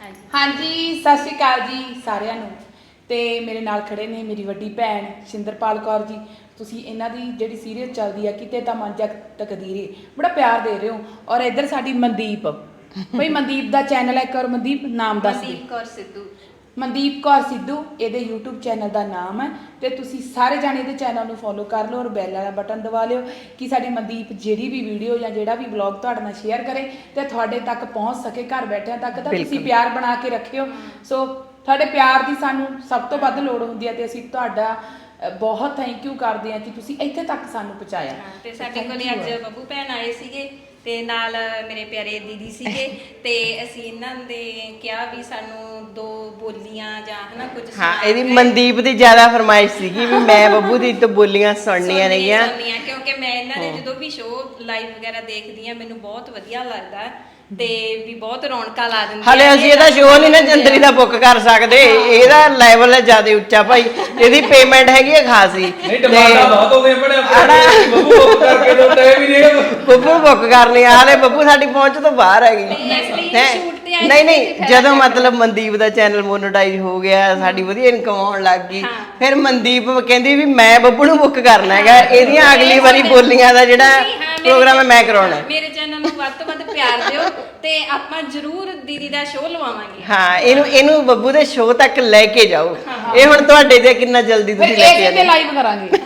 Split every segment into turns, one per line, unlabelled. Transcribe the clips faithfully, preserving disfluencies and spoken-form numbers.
हाँ जी सत श्री अकाल जी सारिਆਂ ਨੂੰ ਤੇ ਮੇਰੇ ਨਾਲ ਖੜੇ ਨੇ ਮੇਰੀ ਵੱਡੀ ਭੈਣ ਸ਼ਿੰਦਰਪਾਲ ਕੌਰ ਜੀ। ਤੁਸੀਂ ਇਹਨਾਂ ਦੀ ਜਿਹੜੀ ਸੀਰੀਅਲ ਚੱਲਦੀ ਆ ਕਿਤੇ ਤਾਂ ਮਨ ਜਾ ਤਕਦੀਰੇ ਬੜਾ ਪਿਆਰ ਦੇ ਰਹੇ ਹੋ। ਔਰ ਇੱਧਰ ਸਾਡੀ ਮਨਦੀਪ ਬਈ ਮਨਦੀਪ ਦਾ ਚੈਨਲ ਹੈ, ਇੱਕ ਵਾਰ ਮਨਦੀਪ ਨਾਮ ਦੱਸ ਦੇ।
ਮਨਦੀਪ ਕੌਰ ਸਿੱਧੂ
ਮਨਦੀਪ ਕੌਰ ਸਿੱਧੂ ਇਹਦੇ YouTube ਚੈਨਲ ਦਾ ਨਾਮ ਹੈ ਤੇ ਤੁਸੀਂ ਸਾਰੇ ਜਾਣੇ ਇਹਦੇ ਚੈਨਲ ਨੂੰ ਫੋਲੋ ਕਰ ਲਓ ਔਰ ਬੈਲ ਵਾਲਾ ਬਟਨ ਦਬਾ ਲਿਓ ਕਿ ਸਾਡੀ ਮਨਦੀਪ ਜਿਹੜੀ ਵੀ ਵੀਡੀਓ ਜਾਂ ਜਿਹੜਾ ਵੀ ਵਲੌਗ ਤੁਹਾਡੇ ਨਾਲ ਸ਼ੇਅਰ ਕਰੇ ਤੇ ਤੁਹਾਡੇ ਤੱਕ ਪਹੁੰਚ ਸਕੇ, ਘਰ ਬੈਠਿਆਂ ਤੱਕ। ਤਾਂ ਤੁਸੀਂ ਪਿਆਰ ਬਣਾ ਕੇ ਰੱਖਿਓ। ਸੋ ਤੁਹਾਡੇ ਪਿਆਰ ਦੀ ਸਾਨੂੰ ਸਭ ਤੋਂ ਵੱਧ ਲੋੜ ਹੁੰਦੀ ਹੈ ਤੇ ਅਸੀਂ ਤੁਹਾਡਾ ਬਹੁਤ ਥੈਂਕ ਯੂ ਕਰਦੇ ਹਾਂ ਕਿ ਤੁਸੀਂ ਇੱਥੇ ਤੱਕ ਸਾਨੂੰ ਪਹੁੰਚਾਇਆ।
ਤੇ ਸਾਡੇ ਕੋਲੇ ਅੱਜ ਬੱਬੂ ਭੈਣ ਆਏ ਸੀਗੇ ਤੇ ਨਾਲ ਮੇਰੇ ਪਿਆਰੇ ਦੀਦੀ ਸੀਗੇ ਤੇ ਅਸੀਂ ਇਹਨਾਂ ਦੇ ਕਿਹਾ ਵੀ ਸਾਨੂੰ ਦੋ ਬੋਲੀਆਂ ਜਾਂ ਹਨਾ ਕੁਝ
ਹਾਂ, ਇਹਦੀ ਮਨਦੀਪ ਦੀ ਜ਼ਿਆਦਾ ਫਰਮਾਇਸ਼ ਸੀਗੀ ਵੀ ਮੈਂ ਬੱਬੂ ਦੀ ਤੋਂ ਬੋਲੀਆਂ ਸੁਣਨੀਆਂ ਨੇਗੀਆਂ,
ਕਿਉਂਕਿ ਮੈਂ ਇਹਨਾਂ ਦੇ ਜਦੋਂ ਵੀ ਸ਼ੋਅ ਲਾਈਵ ਵਗੈਰਾ ਦੇਖਦੀ ਆ ਮੈਨੂੰ ਬਹੁਤ ਵਧੀਆ ਲੱਗਦਾ ਤੇ ਵੀ ਬਹੁਤ ਰੌਣਕਾਂ ਲਾ ਦਿੰਦੀ।
ਹਲੇ ਅਸੀਂ ਇਹਦਾ ਸ਼ੋਅ ਨਹੀਂ ਨਾ ਜੰਦਰੀ ਦਾ ਬੁੱਕ ਕਰ ਸਕਦੇ, ਇਹਦਾ ਲੈਵਲ ਹੈ ਜ਼ਿਆਦਾ ਉੱਚਾ ਭਾਈ, ਇਹਦੀ ਪੇਮੈਂਟ ਹੈਗੀ ਹੈ ਖਾਸੀ।
ਨਹੀਂ ਡਿਮਾਂਡਾਂ ਬਹੁਤ ਹੋ ਗਈਆਂ ਬੜੇ ਆਪਣੇ ਬੱਬੂ ਬੁੱਕ ਕਰਕੇ ਦੋ ਟਾਈਮ ਹੀ ਨਹੀਂ
ਬੱਬੂ ਬੁੱਕ ਕਰਨੀ ਆ, ਹਲੇ ਬੱਬੂ ਸਾਡੀ ਪਹੁੰਚ ਤੋਂ ਬਾਹਰ ਹੈਗੀ। ਨਹੀਂ ਨਹੀਂ ਜਦੋਂ ਮਤਲਬ ਮਨਦੀਪ ਦਾ ਚੈਨਲ ਮੋਨੇਟਾਈਜ਼ ਹੋ ਗਿਆ, ਸਾਡੀ ਵਧੀਆ ਇਨਕਮ ਆਉਣ ਲੱਗ ਗਈ, ਫਿਰ ਮਨਦੀਪ ਕਹਿੰਦੀ ਵੀ ਮੈਂ ਬੱਬੂ ਨੂੰ ਬੁੱਕ ਕਰਨਾ ਹੈਗਾ, ਇਹਦੀਆਂ ਅਗਲੀ ਵਾਰੀ ਬੋਲੀਆਂ ਦਾ ਜਿਹੜਾ ਪ੍ਰੋਗਰਾਮ ਹੈ ਮੈਂ ਕਰਾਉਣਾ।
ਮੇਰੇ ਚੈਨਲ ਨੂੰ ਵੱਧ ਤੋਂ ਵੱਧ ਪਿਆਰ ਦਿਓ ਤੇ ਆਪਾਂ ਜ਼ਰੂਰ ਦੀਦੀ ਦਾ ਸ਼ੋਅ ਲਵਾਵਾਂਗੇ।
ਹਾਂ, ਇਹਨੂੰ ਇਹਨੂੰ ਬੱਬੂ ਦੇ ਸ਼ੋਅ ਤੱਕ ਲੈ ਕੇ ਜਾਓ। ਇਹ ਹੁਣ ਤੁਹਾਡੇ ਤੇ ਕਿੰਨਾ ਜਲਦੀ ਤੁਸੀਂ ਲੈ ਕੇ ਆਏ।
ਲਾਈਵ ਕਰਾਂਗੇ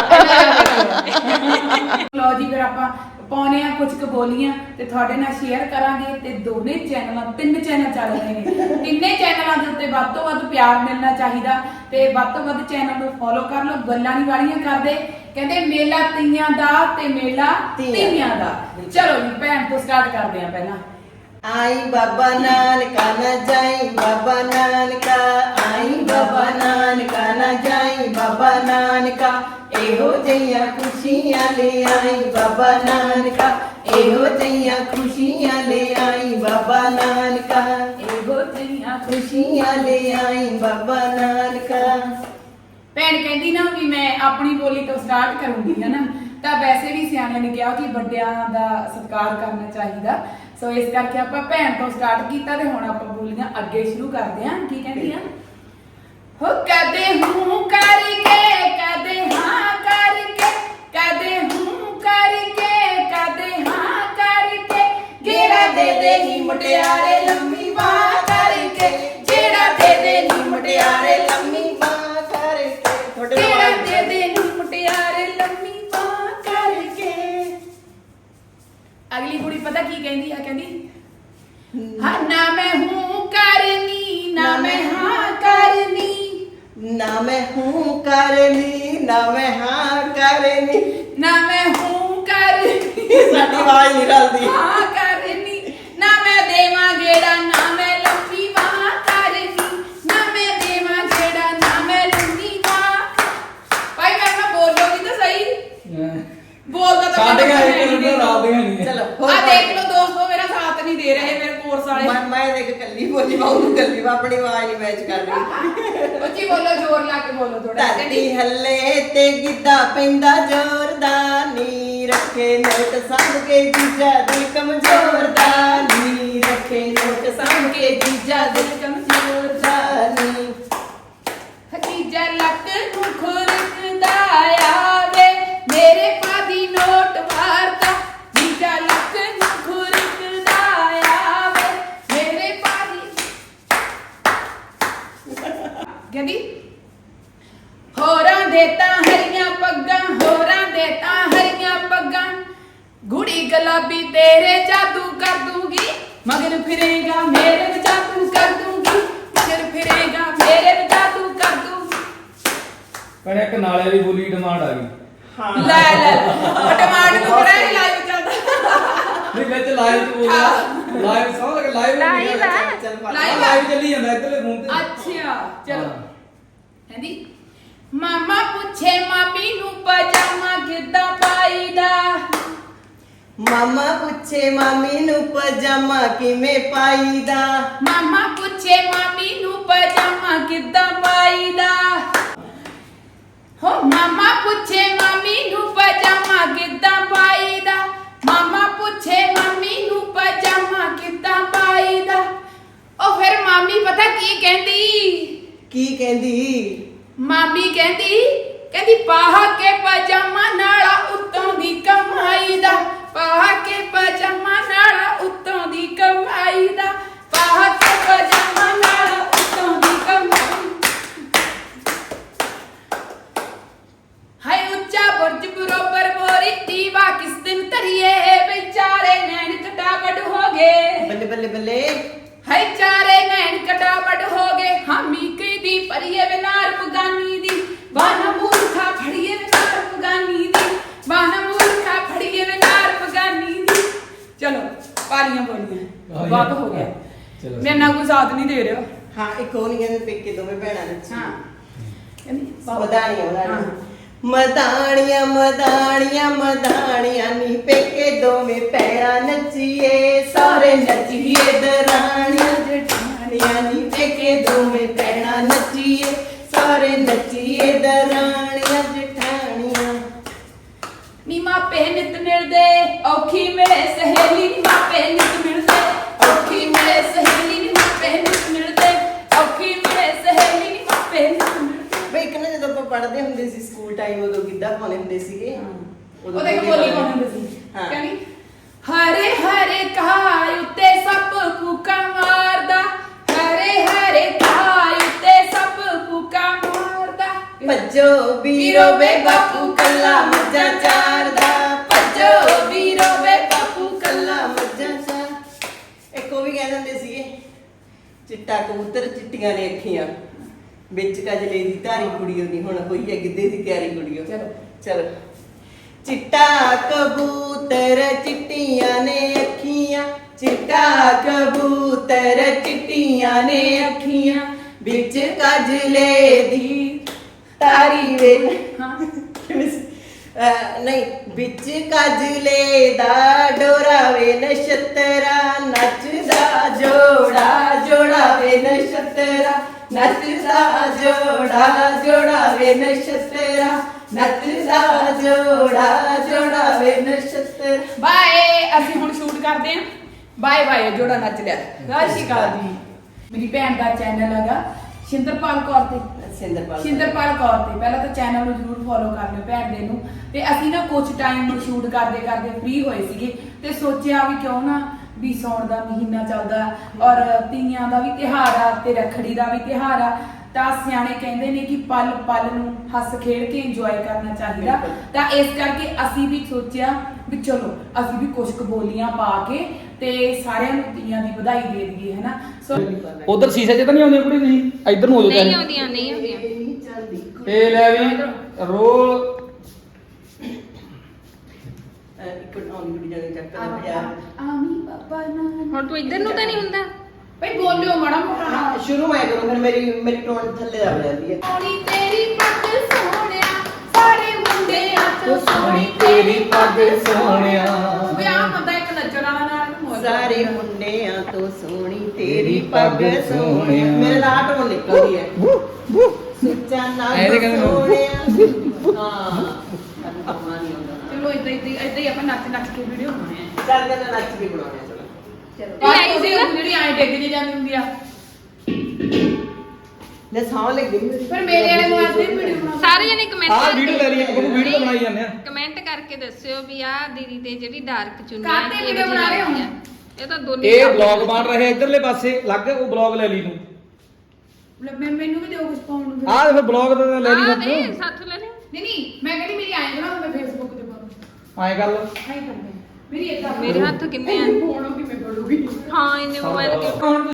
ਲੋ ਜੀ ਫਿਰ ਆਪਾਂ ਪਾਉਣੇ ਆ ਕੁਝ ਕੁ ਬੋਲੀਆਂ ਤੇ ਤੁਹਾਡੇ ਨਾਲ ਸ਼ੇਅਰ ਕਰਾਂਗੇ। ਤੇ ਦੋਨੇ ਚੈਨਲਾਂ ਤਿੰਨ ਚੈਨਲ ਚੱਲ ਰਹੇ ਨੇ, ਤਿੰਨੇ ਚੈਨਲਾਂ ਦੇ ਉੱਤੇ ਵੱਧ ਤੋਂ ਵੱਧ ਪਿਆਰ ਮਿਲਣਾ ਚਾਹੀਦਾ ਤੇ ਵੱਧ ਤੋਂ ਵੱਧ ਚੈਨਲ ਨੂੰ ਫੋਲੋ ਕਰ ਲਓ। ਗੱਲਾਂ ਨਹੀਂ ਵਾਲੀਆਂ ਕਰਦੇ, ਕਹਿੰਦੇ ਮੇਲਾ ਤੀਆਂ ਦਾ ਤੇ ਮੇਲਾ ਤੀਆਂ ਦਾ। ਚਲੋ ਜੀ ਭੈਣ ਤੋਂ ਸਟਾਰਟ ਕਰਦੇ ਆ। ਪਹਿਲਾਂ
आई बाबा नानका न जाई बाबा नानका, आई बाबा नानका न जाई बाबा नानका, एहो जइया खुशियां ले आई बाबा नानका, एहो जइया खुशियां ले आई बाबा नानका, एहो जइया खुशियां ले आई बाबा नानका।
ਭੈਣ ਕਹਿੰਦੀ ਨਾ ਵੀ ਮੈਂ ਆਪਣੀ ਬੋਲੀ ਤੋਂ ਸਟਾਰਟ ਕਰੂੰਗੀ ਹੈ ਨਾ, ਤਾਂ ਵੈਸੇ ਵੀ ਸਿਆਣਿਆਂ ਨੇ ਕਿਹਾ ਕਿ ਵੱਡਿਆਂ ਦਾ ਸਤਿਕਾਰ ਕਰਨਾ ਚਾਹੀਦਾ। ਸੋ ਇਸ ਕਰਕੇ ਆਪਾਂ ਭੈਣ ਤੋਂ ਸਟਾਰਟ ਕੀਤਾ ਤੇ ਹੁਣ ਆਪਾਂ ਬੋਲੀਆਂ ਅੱਗੇ ਸ਼ੁਰੂ ਕਰਦੇ ਹਾਂ। ਕੀ ਕਹਿੰਦੀ ਆ? ਹੋ ਕਦੇ ਹੂੰ ਕਰਕੇ ਕਦੇ ਹਾਂ ਕਰਕੇ, ਕਦੇ ਹੂੰ ਕਰਕੇ ਕਦੇ ਹਾਂ ਕਰਕੇ, ਗੇੜਾ ਦੇ ਦੇ ਨੀ ਮੁਟਿਆਰੇ ਲੰਮੀ ਬਾਹ ਕਰਕੇ, ਜਿਹੜਾ ਦੇ ਦੇ ਨੀ ਮੁਟਿਆਰੇ ਲੰਮੀ ਬਾਹ ਕਰਕੇ, ਜਿਹੜਾ ਦੇ ਦੇ ਨੀ ਮੁਟਿਆਰੇ ਲੰਮੀ ਬਾਹ ਕਰਕੇ। ਅਗਲੀ ਕੁੜੀ ਪਤਾ ਕੀ ਕਹਿੰਦੀ ਆ? ਕਹਿੰਦੀ ਹਾਂ ਨਾ ਮੈਂ ਹੂੰ ਕਰਨੀ ਨਾ ਮੈਂ ਹਾਂ ਕਰਨੀ,
ਨਾ ਮੈਂ ਹੂੰ ਕਰਨੀ ਨਾ ਮੈਂ ਹਾਂ ਕਰਨੀ,
ਨਾ ਮੈਂ ਹੂੰ ਕਰਨੀ
ਸਾਡੀ ਆਵਾਜ਼ ਨਹੀਂ ਰਲਦੀ,
ਹਾਂ ਕਰਨੀ, ਨਾ ਮੈਂ ਦੇਵਾਂ ਗੇੜਾ ਨਾ ਮੈਂ ਲੰਮੀ ਬਾਹ ਕਰਨੀ, ਨਾ ਮੈਂ ਦੇਵਾਂ ਗੇੜਾ ਨਾ ਮੈਂ ਲੰਮੀ ਬਾਹ। ਭਾਈ ਮੈਂ ਨਾ ਬੋਲੋਗੀ ਤਾਂ ਸਹੀ, ਬੋਲਦਾ ਤਾਂ
ਸਾਡੇ ਘਰ ਇੱਕ ਰੁਪਿਆ ਰਾਦੀਆਂ ਨਹੀਂ।
ਚਲੋ
ਆ ਦੇਖ ਲਓ ਦੋਸਤੋ, ਮੇਰਾ ਸਾਥ ਨਹੀਂ ਦੇ ਰਹੇ ਮੇਰੇ ਕੋਰਸ ਵਾਲੇ।
ਮੈਂ ਮੈਂ ਦੇਖ ਕੱਲੀ ਬੋਲੀ ਬਾਉਂ ਕੱਲੀ ਆਪਣੀ ਆਵਾਜ਼ ਨਹੀਂ ਮੈਚ ਕਰ ਰਹੀ।
ਉੱਚੀ ਬੋਲੋ, ਜ਼ੋਰ ਲਾ ਕੇ ਬੋਲੋ ਥੋੜਾ।
ਧਰਤੀ ਹੱਲੇ ਤੇ ਗਿੱਧਾ ਪੈਂਦਾ ਜ਼ੋਰਦਾਰ ਨੀ, ਰੱਖੇ ਨੋਟ ਸੰਭ ਕੇ ਜੀਜਾ ਦੇ ਕਮਜ਼ੋਰ ਦਾ ਨੀ, ਰੱਖੇ ਨੋਟ ਸੰਭ ਕੇ ਜੀਜਾ ਦੇ ਕਮਜ਼ੋਰ ਦਾ ਨੀ,
ਹਕੀਜਾ ਲੱਕ ਨੂੰ ਖੁਰਕਦਾ ਆਵੇ ਮੇਰੇ ਪਾਦੀ ਨੋਟ ਵਾਰਦਾ, ਜੀਜਾ ਲੱਕ ਨੂੰ ਖੁਰਕਦਾ ਆਵੇ ਮੇਰੇ ਪਾਦੀ। ਕਹਿੰਦੀ ਹੋਰਾਂ ਦੇ ਤਾਂ ਹਰੀਆਂ ਪੱਗਾਂ, ਹੋਰਾਂ ਦੇ ਤਾਂ ਹਰੀਆਂ ਪੱਗਾਂ, ਗੁੜੀ ਗੁਲਾਬੀ ਤੇਰੇ ਜਾਦੂ ਕਰ ਦੂੰਗੀ, ਮਗਰ ਫਿਰੇਗਾ ਮੇਰੇ ਵੀ ਜਾਦੂ ਕਰ ਦੂੰਗੀ, ਮਗਰ ਫਿਰੇਗਾ ਮੇਰੇ ਵੀ ਜਾਦੂ ਕਰ ਦੂੰਗੀ।
ਪਰ ਇੱਕ ਨਾਲੇ ਦੀ ਬੋਲੀ ਡਿਮਾਂਡ ਆ ਗਈ।
ਹਾਂ ਲੈ ਲੈ ਟਮਾਟਰ ਨੂੰ ਕਿਹੜਾ ਲਾਈਵ ਚੱਲਦਾ
ਨਹੀਂ ਵਿੱਚ ਲਾਈਵ ਚ ਬੋਲਦਾ, ਲਾਈਵ ਸਮਝ ਲੱਗ ਲਾਈਵ
ਲਾਈਵ ਹੈ
ਲਾਈਵ ਲਾਈਵ ਚੱਲੀ ਜਾਂਦਾ ਇੱਧਰਲੇ ਫੋਨ ਤੇ।
ਅੱਛਾ ਚਲੋ ਕਹਿੰਦੀ ਮਾਮਾ ਪੁੱਛੇ ਮਾਮੀ ਨੂੰ ਪਜਾਮਾ ਕਿੱਦਾਂ ਪਾਈਦਾ,
ਮਾਮਾ ਪੁੱਛੇ ਮਾਮੀ ਨੂੰ ਪਜਾਮਾ ਕਿਵੇਂ ਪਾਈਦਾ,
ਮਾਮਾ ਪੁੱਛੇ ਮਾਮੀ ਨੂੰ ਪਜਾਮਾ ਕਿੱਦਾਂ ਪਾਈਦਾ, ਹੋ ਮਾਮਾ ਪੁੱਛੇ ਮਾਮੀ ਨੂੰ ਪਜਾਮਾ ਕਿੱਦਾਂ ਪਾਈਦਾ, ਮਾਮਾ ਪੁੱਛੇ ਮਾਮੀ ਨੂੰ ਪਜਾਮਾ ਕਿੱਦਾਂ ਪਾਈਦਾ। ਉਹ ਫਿਰ ਮਾਮੀ ਪਤਾ ਕੀ ਕਹਿੰਦੀ
ਕੀ ਕਹਿੰਦੀ?
ਮਾਮੀ ਕਹਿੰਦੀ ਕਹਿੰਦੀ ਪਾਹ ਕੇ ਪਜਾਮਾ ਨਾਲਾ ਉੱਤੋਂ ਦੀ ਕਮਾਈ ਦਾ, ਪਾਹ ਕੇ ਪਜਾਮਾ ਨਾਲਾ ਉੱਤੋਂ ਦੀ ਕਮਾਈ ਦਾ, ਪਾਹ ਕੇ ਪਜਾਮਾ ਨਾਲਾ ਉੱਤੋਂ ਦੀ ਕਮਾਈ। ਹਾਏ ਉੱਚਾ ਬੁਰਜ ਬਰੋਬਰ ਮੋਰੀ ਦੀਵਾ ਕਿਸ ਦਿਨ ਧਰੀਏ, ਵਿਚਾਰੇ ਨੈਣ ਕਟਾਵਟ ਹੋ ਗਏ।
ਬੱਲੇ ਬੱਲੇ ਬੱਲੇ।
ਹਾਏ ਚਾਰੇ ਨੈਣ ਕਟਾਵਟ ਹੋ ਗਏ, ਹਾਮੀ ਕੀ ਦੀ ਪਰੀਏ ਵਿਨਾਰ ਪਗਾਨੀ ਦੀ, ਬਾਨਾ ਮੂਰਖਾ ਫੜੀਏ ਵਿਨਾਰ ਪਗਾਨੀ ਦੀ, ਬਾਨਾ ਮੂਰਖਾ ਫੜੀਏ ਵਿਨਾਰ ਪਗਾਨੀ ਦੀ। ਚਲੋ ਪਾਲੀਆਂ ਬੋਲੀਆਂ ਬਹੁਤ ਹੋ ਗਿਆ,
ਚਲੋ।
ਮੇਰੇ ਨਾਲ ਕੋਈ ਸਾਥ ਨਹੀਂ ਦੇ ਰਿਹਾ।
ਹਾਂ ਇੱਕ ਉਹ ਨਹੀਂ ਕਹਿੰਦੇ ਪੇਕੇ ਦੋਵੇਂ ਭੈਣਾਂ ਨੱਚੀ।
ਹਾਂ ਕਹਿੰਦੀ
ਮਦਾਣੀਆਂ
ਹਾਂ।
ਮਦਾਣੀਆਂ ਮਦਾਣੀਆਂ ਮਦਾਣੀਆਂ ਨੀ ਪੇਕੇ ਦੋਵੇਂ ਪੈਰਾਂ ਨੱਚੀਏ, ਸਾਰੇ ਨੱਚੀਏ ਦਰਾਣੀਆਂ ਜਠਾਣੀਆਂ ਨੀ ਪੇਕੇ ਦੋਵੇਂ ਪੈਰਾਂ ਨੱਚੀਏ, ਸਾਰੇ ਨੱਚੀਏ ਦਰਾਣੀਆਂ ਜਠਾਣੀਆਂ।
ਨੀ ਮਾਪੇ ਨਿਤ ਮਿਲਦੇ ਔਖੀ ਮਿਲੇ ਸਹੇਲੀ, ਨੀ ਮਾਪੇ ਨਿਤ ਮਿਲਦੇ ਔਖੀ ਮਿਲੇ ਸਹੇਲੀ, ਨੀ ਮਾਪੇ ਨਿਤ ਮਿਲਦੇ ਔਖੀ ਮਿਲੇ ਸਹੇਲੀ, ਨੀ ਮਾਪੇ ਨਿਤ ਮਿਲਦੇ।
ਬਈ ਇੱਕ ਨਾ ਜਦੋਂ ਆਪਾਂ ਪੜ੍ਹਦੇ ਹੁੰਦੇ ਸੀ ਸਕੂਲ ਟਾਈਮ, ਉਦੋਂ ਗਿੱਧਾ ਪਾਉਂਦੇ ਹੁੰਦੇ ਸੀਗੇ।
ਉਹਦੇ ਕੋਲ ਬੋਲੀ ਪਾਉਂਦੇ ਹੁੰਦੇ ਸੀ।
ਹਾਂ।
ਕਹਿੰਦੀ ਹਰੇ ਹਰੇ ਘਾਹ ਉੱਤੇ ਸੱਪ ਕੂਕਾ ਮਾਰਦਾ, ਹਰੇ ਹਰੇ ਘਾਹ ਉੱਤੇ ਸੱਪ ਕੂਕਾ ਮਾਰਦਾ।
ਭੱਜੋ ਵੀਰੋ ਵੇ ਬਾਪੂ ਕੱਲਾ ਮੱਝਾਂ ਚਾਰਦਾ, ਭੱਜੋ ਵੀਰੋ ਵੇ ਬਾਪੂ ਕੱਲਾ ਮੱਝਾਂ ਚਾਰ। ਇੱਕ ਉਹ ਵੀ ਕਹਿ ਦਿੰਦੇ ਸੀਗੇ, ਚਿੱਟਾ ਕਬੂਤਰ ਚਿੱਟੀਆਂ ਨੇ ਅੱਖੀਆਂ, ਵਿੱਚ ਕਜਲੇ ਦੀ ਧਾਰੀ ਕੁੜੀ ਉਹਦੀ, ਹੁਣ ਹੋਈ ਹੈ ਗਿੱਧੇ ਦੀ ਤਿਆਰੀ ਕੁੜੀਓ।
ਚਲੋ।
ਚਲੋ। ਚਿੱਟਾ ਕਬੂਤਰ ਚਿੱਟੀਆਂ ਨੇ ਅੱਖੀਆਂ, ਚਿੱਟਾ ਕਬੂਤਰ ਚਿੱਟੀਆਂ ਨੇ ਅੱਖੀਆਂ, ਵਿੱਚ ਕਜਲੇ ਦੀ ਤਾਰੀ ਵੇ।
ਹਾਂ
ਅਹ ਨਹੀਂ, ਵਿੱਚ ਕਜਲੇ ਦਾ ਡੋਰਾ ਵੇ ਨਛਤਰਾ, ਨੱਚਦਾ ਜੋੜਾ ਜੋੜਾ ਵੇ ਨਛਤਰਾ, ਨੱਚਦਾ ਜੋੜਾ ਜੋੜਾ ਵੇ ਨਛਤਰਾ, ਨੱਚਦਾ ਜੋੜਾ ਜੋੜਾ ਵੇ ਨਛਤਰਾ।
ਬਾਏ, ਅਸੀਂ ਹੁਣ ਸ਼ੂਟ ਕਰਦੇ ਹਾਂ। ਬਾਏ ਬਾਏ, ਜੋੜਾ ਨੱਚ ਲਿਆ। ਸਤਿ ਸ਼੍ਰੀ ਅਕਾਲ ਜੀ। ਮੇਰੀ ਭੈਣ ਦਾ ਚੈਨਲ ਹੈਗਾ ਸ਼ਿੰਦਰਪਾਲ ਕੌਰ ਤੇ
ਸਿੰਦਰਪਾਲ
ਸ਼ਿੰਦਰਪਾਲ ਕੌਰ ਤੇ ਪਹਿਲਾਂ ਤਾਂ ਚੈਨਲ ਨੂੰ ਜਰੂਰ ਫੋਲੋ ਕਰ ਲਿਓ ਭੈਣ ਦੇ ਨੂੰ। ਤੇ ਅਸੀਂ ਨਾ ਕੁਝ ਟਾਈਮ ਸ਼ੂਟ ਕਰਦੇ ਕਰਦੇ ਫ੍ਰੀ ਹੋਏ ਸੀਗੇ ਤੇ ਸੋਚਿਆ ਵੀ ਕਿਉਂ ਨਾ ਵੀ ਸੌਣ ਦਾ ਮਹੀਨਾ ਚੱਲਦਾ ਔਰ ਤੀਆਂ ਦਾ ਵੀ ਤਿਉਹਾਰ ਆ ਤੇ ਰੱਖੜੀ ਦਾ ਵੀ ਤਿਉਹਾਰ ਆ, ਤਾਂ ਸਿਆਣੇ ਕਹਿੰਦੇ ਨੇ ਕਿ ਪਲ ਪਲ ਨੂੰ ਹੱਸ ਖੇਡ ਕੇ ਇੰਜੋਏ ਕਰਨਾ ਚਾਹੀਦਾ। ਤਾਂ ਇਸ ਕਰਕੇ ਅਸੀਂ ਵੀ ਸੋਚਿਆ ਵੀ ਚਲੋ ਅਸੀਂ ਵੀ ਕੁਝ ਕੁ ਬੋਲੀਆਂ ਪਾ ਕੇ ਤੇ ਸਾਰਿਆਂ ਨੂੰ ਤੀਆਂ ਦੀ ਵਧਾਈ ਦੇ ਦਈਏ, ਹਨਾ। ਸੋ
ਉਧਰ ਸ਼ੀਸ਼ੇ 'ਚ ਤਾਂ ਨਹੀਂ ਆਉਂਦੀਆਂ ਕੁੜੀ, ਤੁਸੀਂ ਇੱਧਰ ਨੂੰ ਹੋ ਜਾਓ।
ਨਹੀਂ ਆਉਂਦੀਆਂ ਨਹੀਂ ਆਉਂਦੀਆਂ।
ਤੇ ਲੈ ਵੀ ਰੋਲ
ਇੱਕ ਆਉਣੀ ਕੁੜੀ ਜਾਣੀ ਚੱਕਰ ਦਾ ਪਿਆਰ।
ਆਮੀ ਬਾਬਾ ਨਾ
ਹੁਣ ਤੂੰ ਇੱਧਰ ਨੂੰ ਤਾਂ ਨਹੀਂ ਹੁੰਦਾ।
ਭਈ ਬੋਲਿਓ ਮਾੜਾ ਮੋਟਾ।
ਹਾਂ ਸ਼ੁਰੂ ਮੈਂ ਕਰੂੰ, ਫਿਰ ਮੇਰੀ ਮੇਰੀ ਟੋਨ ਥੱਲੇ ਆ ਜਾਂਦੀ ਹੈ।
ਸੋਹਣੀ ਤੇਰੀ ਪੱਗ ਸੋਹਣਿਆ, ਸਾਰੇ ਮੁੰਡਿਆਂ ਤੋਂ
ਸੋਹਣੀ ਤੇਰੀ ਪੱਗ ਸੋਹਣਿਆ।
ਵਿਆਹ ਬੰਦਾ ਇੱਕ ਨੱਚਣ ਵਾਲਾ ਨਾਲ ਨੂੰ ਮੌਜ।
ਸਾਰੇ ਮੁੰਡਿਆਂ ਤੋਂ ਸੋਹਣੀ ਤੇਰੀ ਪੱਗ ਸੋਹਣਿਆ। ਮੇਰੇ ਨਾਲ ਟੋਨ ਨਿਕਲਦੀ ਹੈ। ਸੁੱਚਾ ਨਾ
ਐਵੇਂ ਕਹਿੰਦੇ ਲੋਕ।
ਸੋਹਣਿਆ। ਹਾਂ ਕੰਮਾ ਨਹੀਂ ਆਉਂਦਾ।
ਚਲੋ ਇਦਾਂ ਇਦਾਂ ਇਦਾਂ ਹੀ ਆਪਾਂ ਨੱਚ ਨੱਚ ਕੇ ਵੀਡੀਓ ਬਣਾਉਣੇ ਆ।
ਚੱਲ ਤੇ ਨੱਚ ਵੀ ਬਣਾਉਣੇ ਆ। ਚਲੋ
ਚਲੋ ਆਹ ਉਹਦੀ ਜਿਹੜੀ ਐਂ ਡਿੱਗ ਜੇ ਜਾਂਦੀ ਹੁੰਦੀ ਆ।
ਲੈ ਸਾਹ ਲੱਗੀ ਮੇਰੀ।
ਪਰ ਮੇਰੇ ਵਾਲੇ ਮੋਬਾਈਲ ਤੇ ਵੀਡੀਓ ਬਣਾ।
ਸਾਰੇ ਜਣੇ ਕਮੈਂਟ
ਆਹ ਵੀਡੀਓ ਲੈ ਲਈ, ਆਪਾਂ ਵੀਡੀਓ ਤਾਂ ਬਣਾਈ ਜਾਂਦੇ ਆ।
ਕਮੈਂਟ ਕਰਕੇ ਦੱਸਿਓ ਵੀ ਆਹ ਦੀਦੀ ਤੇ ਜਿਹੜੀ ਡਾਰਕ ਚੁੰਨੀ ਆ
ਕਾਹਤੇ
ਕਿਹੋ
video
ਜਿਹੀ
ਬਣਾ ਰਹੇ ਹੋ?
ਲੱਗਦੀ ਆ। ਇਹ ਤਾਂ ਦੋਨੇ
ਇਹ ਬਲੌਗ ਬਣ ਰਿਹਾ ਇਧਰਲੇ ਪਾਸੇ ਲੱਗ, ਉਹ ਬਲੌਗ ਲੈ ਲਈ ਤੂੰ।
ਲੈ ਮੈਂ ਮੈਨੂੰ ਵੀ ਦਿਓ ਕੁਝ ਪਾਉਣ ਨੂੰ ਫਿਰ।
ਆਹ ਫਿਰ ਬਲੌਗ ਤਾਂ ਲੈ ਲਈ
ਆਹ
ਸੱਤ
ਦੇ ਸੱਤ ਲੈ ਲੈ।
ਨਹੀਂ ਨਹੀਂ ਮੈਂ ਕਹਿੰਦੀ ਮੇਰੀ ਐਂ ਬਣਾ ਮੈਂ ਫੇਸਬੁੱਕ ਤੇ ਪਾਉਂ।
ਐਂ ਕਰ ਲਓ।
ਐਂ ਕਰਦੇ ਮੇਰੀ ਇਦਾਂ
ਮੇਰੇ ਹੱਥ ਕਿੰਨੇ ਆ?
ਫੋਨ ਕਿਵੇਂ ਪੜੂਗੀ।
ਹਾਂ ਇਹਨੇ ਮੋਬਾਈਲ
ਹੁਣ